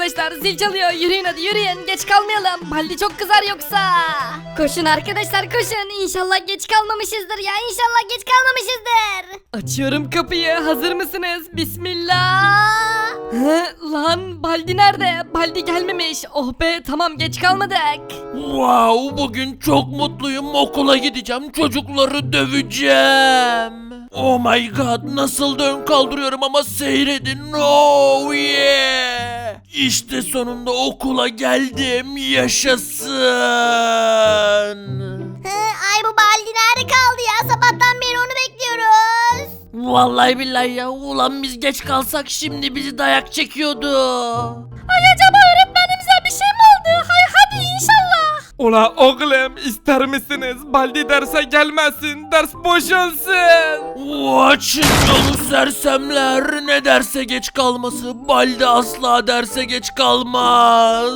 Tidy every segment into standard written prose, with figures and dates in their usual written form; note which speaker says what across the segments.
Speaker 1: arkadaşlar, zil çalıyor, yürüyün hadi yürüyün, geç kalmayalım, Baldi çok kızar yoksa.
Speaker 2: Koşun arkadaşlar koşun. İnşallah geç kalmamışızdır ya. İnşallah geç kalmamışızdır.
Speaker 1: Açıyorum kapıyı, hazır mısınız? Bismillah. Lan Baldi nerede? Baldi gelmemiş. Oh be, tamam, geç kalmadık.
Speaker 3: Wow, bugün çok mutluyum. Okula gideceğim. Çocukları döveceğim. Oh my god, nasıl dön kaldırıyorum ama seyredin. Oh yeah. İşte sonunda okula geldim. Yaşasın.
Speaker 2: Ay bu Baldi nerede kaldı ya? Sabahtan beri onu bekliyoruz.
Speaker 3: Vallahi billahi ya. Ulan biz geç kalsak şimdi bizi dayak çekiyordu.
Speaker 2: Ay acaba öğretmenimize bir şey mi oldu? Hay hadi inşallah.
Speaker 4: Ula oğlum, ister misiniz? Baldi derse gelmesin, ders boşansın.
Speaker 3: Açın yolu sersemler. Ne derse geç kalması. Baldi asla derse geç kalmaz.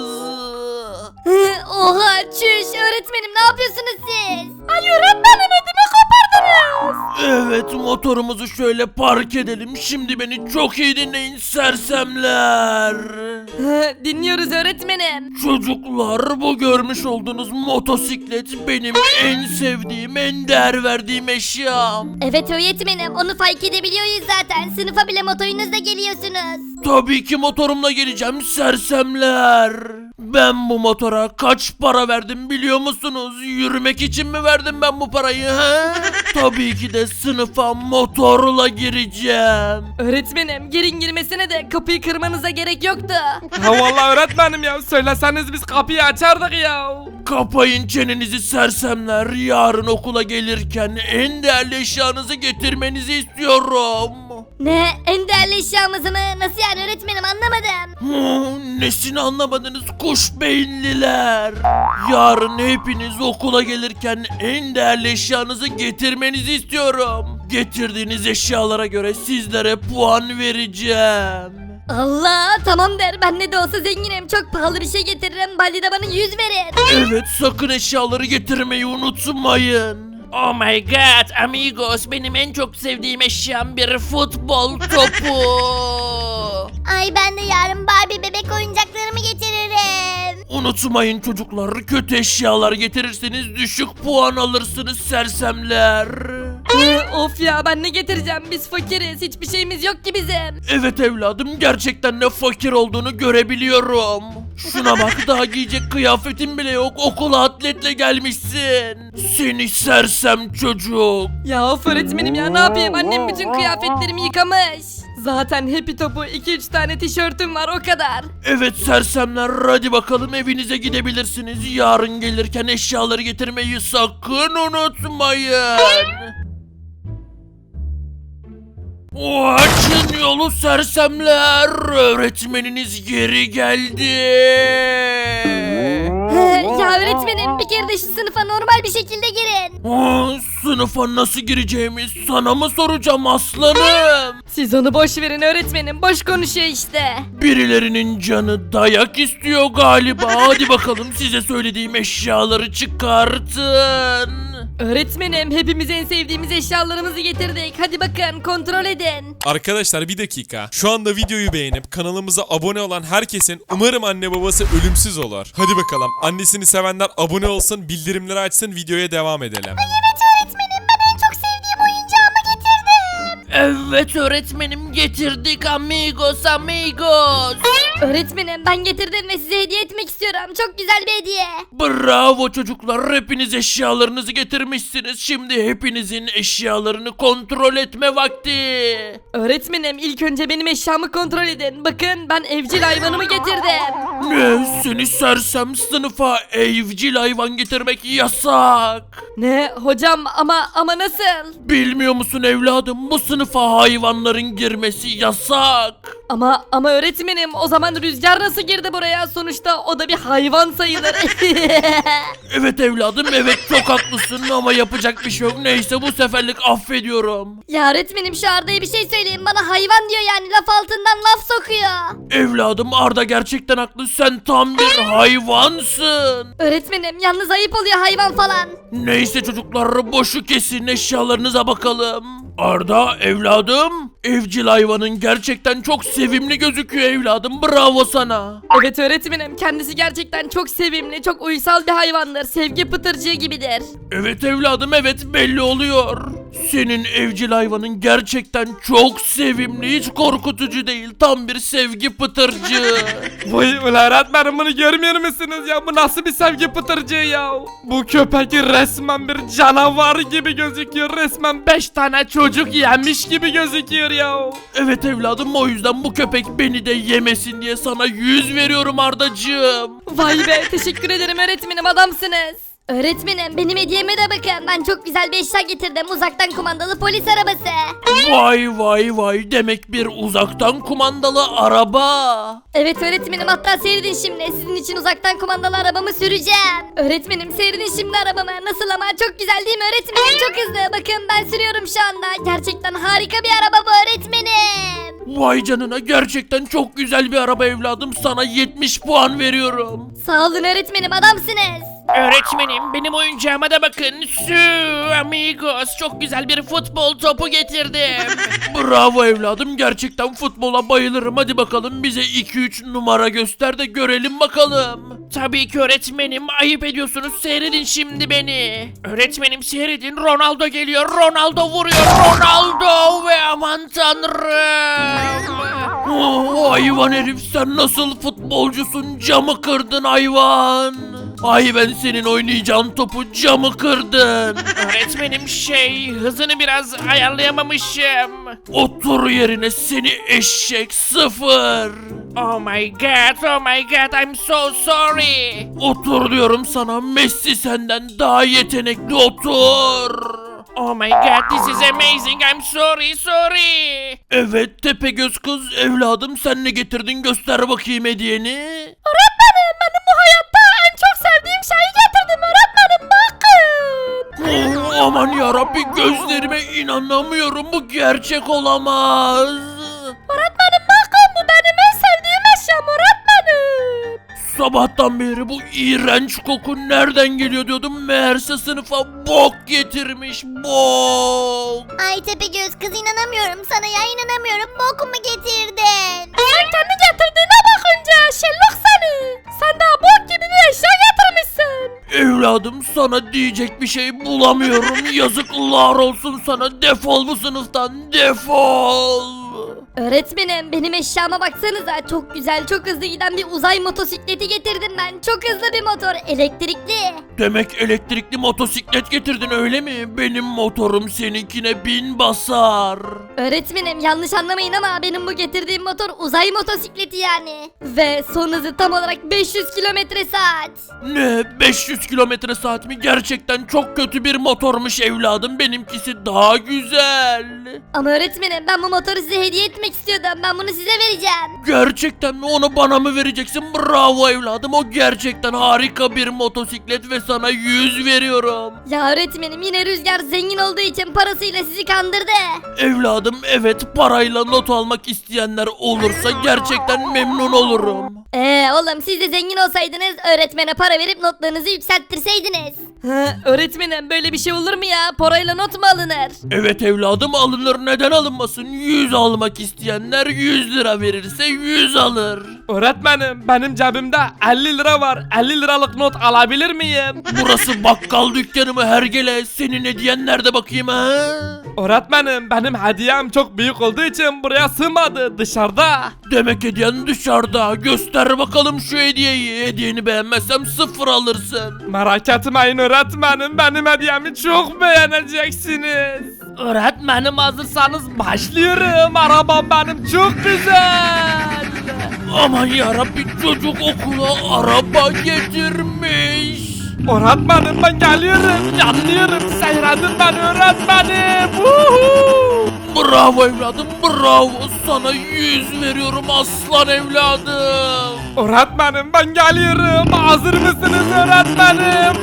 Speaker 2: Oha çüş öğretmenim ne yapıyorsunuz siz? Ay öğretmenim ödümü kopardınız.
Speaker 3: Evet, motorumuzu şöyle park edelim. Şimdi beni çok iyi dinleyin sersemler.
Speaker 1: Dinliyoruz öğretmenim.
Speaker 3: Çocuklar, bu görmüş olduğunuz motosiklet benim en sevdiğim, en değer verdiğim eşyam.
Speaker 2: Evet öğretmenim onu fark edebiliyoruz zaten. Sınıfa bile motorunuzla geliyorsunuz.
Speaker 3: Tabii ki motorumla geleceğim sersemler. Ben bu motora kaç para verdim biliyor musunuz? Yürümek için mi verdim ben bu parayı he? Tabii ki de sınıfa motorla gireceğim.
Speaker 1: Öğretmenim, girin girmesine de kapıyı kırmanıza gerek yoktu.
Speaker 4: Ha vallahi öğretmenim ya, söyleseniz biz kapıyı açardık ya.
Speaker 3: Kapayın çenenizi sersemler. Yarın okula gelirken en değerli eşyanızı getirmenizi istiyorum.
Speaker 2: Ne en değerli eşyamızı mı? Nasıl yani öğretmenim anlamadım.
Speaker 3: Nesini anlamadınız kuş beyinliler? Yarın hepiniz okula gelirken en değerli eşyanızı getirmenizi istiyorum. Getirdiğiniz eşyalara göre sizlere puan vereceğim.
Speaker 2: Allah tamam der ben ne de olsa zenginim çok pahalı bir şey getiririm Baldi de bana 100 verir.
Speaker 3: Evet, sakın eşyaları getirmeyi unutmayın. Oh my god amigos, benim en çok sevdiğim eşyam bir futbol topu.
Speaker 2: Ay ben de yarın Barbie bebek oyuncaklarımı getiririm.
Speaker 3: Unutmayın çocuklar, kötü eşyalar getirirseniz düşük puan alırsınız sersemler.
Speaker 1: Of ya, ben ne getireceğim, biz fakiriz, hiçbir şeyimiz yok ki bizim.
Speaker 3: Evet evladım, gerçekten ne fakir olduğunu görebiliyorum. Şuna bak, daha giyecek kıyafetin bile yok, okula atletle gelmişsin. Seni sersem çocuk.
Speaker 1: Ya of öğretmenim ya, ne yapayım, annem bütün kıyafetlerimi yıkamış. Zaten Happy Top'u 2-3 tane tişörtüm var, o kadar.
Speaker 3: Evet sersemler, hadi bakalım evinize gidebilirsiniz. Yarın gelirken eşyaları getirmeyi sakın unutmayın. Açın yolu sersemler. Öğretmeniniz geri geldi.
Speaker 2: Ya öğretmenim bir kere de şu sınıfa normal bir şekilde girin.
Speaker 3: Sınıfa nasıl gireceğimi sana mı soracağım aslanım?
Speaker 1: Siz onu boş verin öğretmenim, boş konuşuyor işte.
Speaker 3: Birilerinin canı dayak istiyor galiba. Hadi bakalım, size söylediğim eşyaları çıkartın.
Speaker 1: Öğretmenim, hepimiz en sevdiğimiz eşyalarımızı getirdik. Hadi bakın, kontrol edin.
Speaker 5: Arkadaşlar bir dakika. Şu anda videoyu beğenip kanalımıza abone olan herkesin umarım anne babası ölümsüz olur. Hadi bakalım. Annesini sevenler abone olsun, bildirimleri açsın, videoya devam edelim.
Speaker 2: Evet öğretmenim ben en çok sevdiğim oyuncağımı getirdim.
Speaker 3: Evet öğretmenim, getirdik amigos amigos.
Speaker 2: Öğretmenim ben getirdim ve size hediye etmek istiyorum. Çok güzel bir hediye.
Speaker 3: Bravo çocuklar, hepiniz eşyalarınızı getirmişsiniz. Şimdi hepinizin eşyalarını kontrol etme vakti.
Speaker 1: Öğretmenim, ilk önce benim eşyamı kontrol edin. Bakın, ben evcil hayvanımı getirdim.
Speaker 3: Ne, seni sersem, sınıfa evcil hayvan getirmek yasak.
Speaker 1: Ne hocam, ama nasıl?
Speaker 3: Bilmiyor musun evladım, bu sınıfa hayvanların girmesi yasak.
Speaker 1: Ama öğretmenim, o zaman Rüzgar nasıl girdi buraya? Sonuçta o da bir hayvan sayılır.
Speaker 3: Evet evladım, evet çok haklısın ama yapacak bir şey yok. Neyse, bu seferlik affediyorum.
Speaker 2: Ya öğretmenim şu Arda'ya bir şey söyleyin. Bana hayvan diyor yani laf altından laf sokuyor.
Speaker 3: Evladım, Arda gerçekten haklı, sen tam bir hayvansın.
Speaker 2: Öğretmenim yalnız ayıp oluyor hayvan falan.
Speaker 3: Neyse çocuklar, boşu kesin, eşyalarınıza bakalım. Arda evladım. Evcil hayvanın gerçekten çok sevimli gözüküyor evladım. Bravo sana.
Speaker 1: Evet öğretmenim, kendisi gerçekten çok sevimli, çok uysal bir hayvandır. Sevgi pıtırcığı gibidir.
Speaker 3: Evet evladım, evet, belli oluyor. Senin evcil hayvanın gerçekten çok sevimli, hiç korkutucu değil. Tam bir sevgi pıtırcığı.
Speaker 4: Vay ulan öğretmenim, bunu görmüyor musunuz ya? Bu nasıl bir sevgi pıtırcığı ya? Bu köpek resmen bir canavar gibi gözüküyor. Resmen 5 tane çocuk yemiş gibi gözüküyor ya.
Speaker 3: Evet evladım, o yüzden bu köpek beni de yemesin diye sana 100 veriyorum Ardacığım.
Speaker 1: Vay be, teşekkür ederim öğretmenim, adamsınız.
Speaker 2: Öğretmenim benim hediyeme de bakın. Ben çok güzel bir eşya getirdim. Uzaktan kumandalı polis arabası.
Speaker 3: Vay vay vay, demek bir uzaktan kumandalı araba.
Speaker 2: Evet öğretmenim, hatta seyredin şimdi. Sizin için uzaktan kumandalı arabamı süreceğim. Öğretmenim seyredin şimdi arabamı. Nasıl ama, çok güzel değil mi öğretmenim? Çok hızlı. Bakın ben sürüyorum şu anda. Gerçekten harika bir araba bu öğretmenim.
Speaker 3: Vay canına, gerçekten çok güzel bir araba evladım. Sana 70 puan veriyorum.
Speaker 2: Sağ olun öğretmenim, adamsınız.
Speaker 3: Öğretmenim, benim oyuncağıma da bakın. Su amigos, çok güzel bir futbol topu getirdim. Bravo evladım, gerçekten futbola bayılırım. Hadi bakalım bize 2-3 numara göster de görelim bakalım. Tabii ki öğretmenim, ayıp ediyorsunuz, seyredin şimdi beni. Öğretmenim seyredin, Ronaldo geliyor, Ronaldo vuruyor, Ronaldo ve aman tanrım. Oh, hayvan herif, sen nasıl futbolcusun, camı kırdın hayvan. Ay, ben senin oynayacağın topu camı kırdın. Öğretmenim hızını biraz ayarlayamamışım. Otur yerine seni eşek, 0. Oh my god, I'm so sorry. Otur diyorum sana, Messi senden daha yetenekli, otur. Oh my god, this is amazing, I'm sorry. Evet Tepegöz kız, evladım sen ne getirdin, göster bakayım hediyeni.
Speaker 2: Öğretmenim benim bu hayatta en çok sevdiğim şeyi getirdim öğretmenim, bakın.
Speaker 3: Oh, aman yarabbi, gözlerime inanamıyorum, bu gerçek olamaz.
Speaker 2: Öğretmenim bakın, bu benim en sevdiğim eşyam öğretmenim.
Speaker 3: Sabahtan beri bu iğrenç koku nereden geliyor diyordum, meğerse sınıfa bok getirmiş, bok.
Speaker 2: Ay Tepegöz kız, inanamıyorum sana ya, inanamıyorum. Bokumu getirdin. Sen kendi getirdiğine bakınca şellok seni. Sen daha bok gibi bir eşya getirmişsin.
Speaker 3: Evladım, sana diyecek bir şey bulamıyorum, yazıklar olsun sana, defol bu sınıftan, defol.
Speaker 2: Öğretmenim benim eşyama baksanıza, çok güzel, çok hızlı giden bir uzay motosikleti getirdim ben. Çok hızlı bir motor, elektrikli.
Speaker 3: Demek elektrikli motosiklet getirdin öyle mi? Benim motorum seninkine 1000 basar.
Speaker 2: Öğretmenim yanlış anlamayın ama benim bu getirdiğim motor uzay motosikleti yani. Ve son hızı tam olarak 500 kilometre saat.
Speaker 3: Ne? 500 kilometre saat mi? Gerçekten çok kötü bir motormuş evladım. Benimkisi daha güzel.
Speaker 2: Ama öğretmenim ben bu motoru size hediye etmek istiyordum. Ben bunu size vereceğim.
Speaker 3: Gerçekten mi? Onu bana mı vereceksin? Bravo evladım. O gerçekten harika bir motosiklet ve sana 100 veriyorum.
Speaker 2: Ya öğretmenim yine Rüzgar zengin olduğu için parasıyla sizi kandırdı.
Speaker 3: Evladım, evet, parayla not almak isteyenler olursa gerçekten memnun olurum.
Speaker 2: Oğlum siz de zengin olsaydınız öğretmene para verip notlarınızı yükselttirseydiniz.
Speaker 1: Öğretmenim, böyle bir şey olur mu ya? Parayla not mu alınır?
Speaker 3: Evet evladım, alınır, neden alınmasın? 100 almak isteyenler 100 lira verirse 100 alır.
Speaker 4: Öğretmenim benim cebimde 50 lira var. 50 liralık not alabilir miyim?
Speaker 3: Burası bakkal dükkanı mı hergele? Senin hediyen nerede bakayım ha?
Speaker 4: Öğretmenim benim hediyem çok büyük olduğu için buraya sığmadı, dışarıda.
Speaker 3: Demek hediyen dışarıda. Göster bakalım şu hediyeyi. Hediyeni beğenmezsem 0 alırsın.
Speaker 4: Merak etmeyin öğretmenim, benim hediyemi çok beğeneceksiniz. Öğretmenim hazırsanız başlıyorum. Arabam benim çok güzel.
Speaker 3: Aman yarabbi, çocuk okula araba getirmiş.
Speaker 4: Öğretmenim ben geliyorum, yanlıyorum, seyredin beni öğretmenim. Woohoo!
Speaker 3: Bravo evladım, bravo, sana 100 veriyorum aslan evladım.
Speaker 4: Öğretmenim ben geliyorum. Hazır mısınız öğretmenim?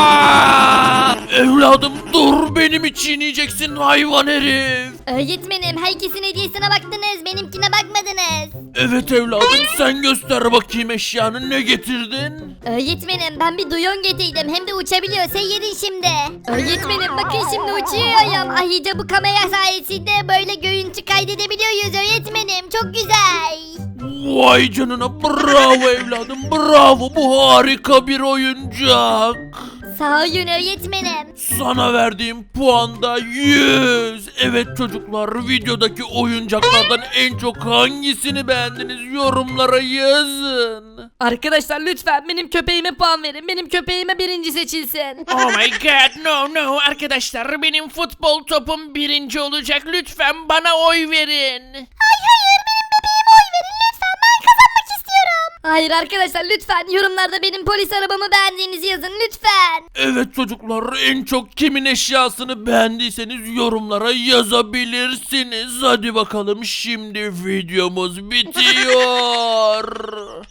Speaker 3: Evladım dur, benim için yiyeceksin hayvan herif.
Speaker 2: Öğretmenim herkesin hediyesine baktınız benimkine bakmadınız.
Speaker 3: Evet evladım, sen göster bakayım eşyanı, ne getirdin?
Speaker 2: Öğretmenim ben bir duyon getirdim hem de uçabiliyor seyredin şimdi. Öğretmenim bakın şimdi uçuyorum. Ayrıca bu kamera sayesinde böyle görüntü kaydedebiliyoruz öğretmenim çok güzel.
Speaker 3: Vay canına, bravo evladım, bravo, bu harika bir oyuncak.
Speaker 2: Sağ olun öğretmenim.
Speaker 3: Sana verdiğim puan da 100. Evet çocuklar, videodaki oyuncaklardan en çok hangisini beğendiniz, yorumlara yazın.
Speaker 1: Arkadaşlar lütfen benim köpeğime puan verin. Benim köpeğime birinci seçilsin.
Speaker 3: Oh my god, no arkadaşlar, benim futbol topum birinci olacak, lütfen bana oy verin.
Speaker 2: Hayır arkadaşlar lütfen yorumlarda benim polis arabamı beğendiğinizi yazın lütfen.
Speaker 3: Evet çocuklar, en çok kimin eşyasını beğendiyseniz yorumlara yazabilirsiniz. Hadi bakalım, şimdi videomuz bitiyor.